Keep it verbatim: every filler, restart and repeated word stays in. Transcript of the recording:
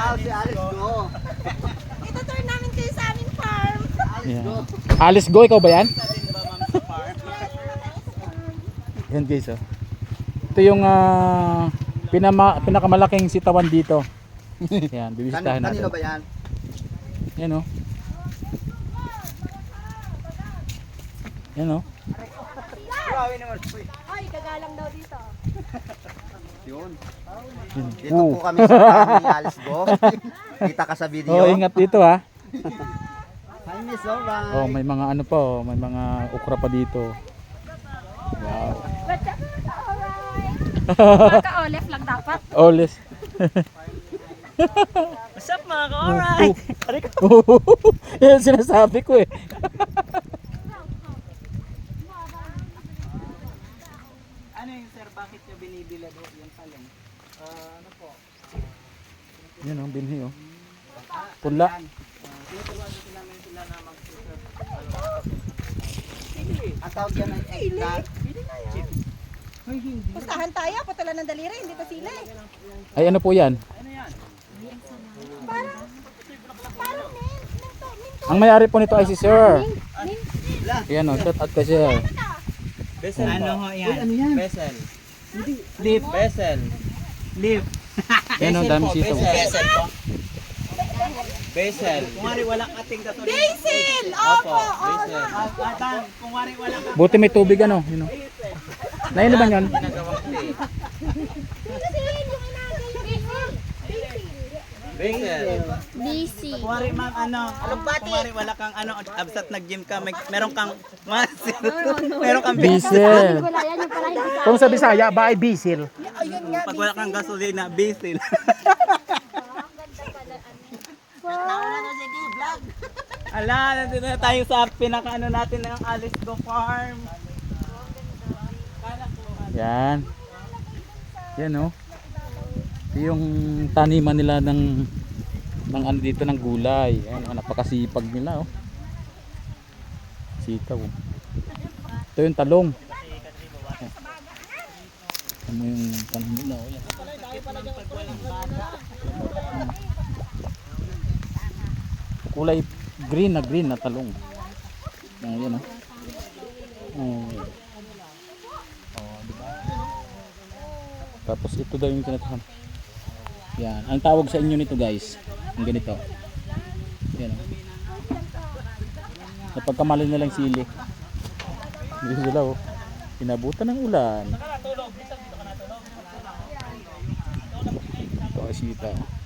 Wow, si Alice Go. Ito turn namin kayo sa aming farm. Alice Go. Alice Go, ikaw ba yan? Yan guys, oh. Ito yung ah, pinama, pinakamalaking sitawan dito. Yan, bibisitahin Kanino natin. ba yan? Yan, oh. Yan, oh. Grabe naman. Hoy, kagalang daw dito. Yun. Yan. Dito Oh. po kami sa farm ni Alice Go. Kita ka sa video. Oh, ingat dito, ha. Hi, Miss Alright. Oh, may mga ano pa, oh, may mga okra pa dito. Wow. Alright. Ka-olef lang dapat. Oles. What's up mga ka-alright? Yan sinasabi ko, eh. Ano yung sir, bakit nyo binibilad yung talong? Ah, ano po? Yan, oh, binhi, oh. Pula. Tinuturuan ko namin sila na mag-serve. Ang tawag yan ay egg. Pustahan tayo, putula ng daliri, hindi pa sila eh. Ay, ano po yan? Parang, parang mint, minto, minto. Ang may-ari po nito ay si Sir. Mint. Yan, oh, shout out ka, Sir. Besel ano ho yan? Ano yan? Besel. Leaf. Besel. Leaf. Yan, oh, dami sitaw. Besel po. Besel. Kung wari walang ating katuloy. Basil! Opo, Opo, oo. Besel. Atan, kung wari walang Buti may tubig, ano. Yun, oh. Naino ba yan? ginagawang tea. Kasi yun yung inagay yung basil. Besel. Basil. Kung wari ma'am ano, kung wari wala kang ano, absat nag-gym ka, may, meron kang muscle. Meron kang Bisil. Wala yan yung pala hindi Kung sa Bisaya, ba ay bisil? Pag wala kang gasolina, bisil. Ala, nandito na tayo sa pinaka-ano natin ng Alice Go Farm. Yan. Yan, oh. Ito yung taniman nila ng ng ano dito ng gulay. Ayan, oh, napakasipag nila, oh. Sitaw, oh. Ito yung talong. Ayan. Ano yung talong nila, oh. Yan. Kulay green na green na talong. Ayan, oh. Oh. Tapos ito daw yung tinatahan. Yan. Ang tawag sa inyo nito, guys, ang ganito. Yan. Sa pagkamali nilang sili. Dito sila, oh. Pinabutan ng ulan. Ito ay sita.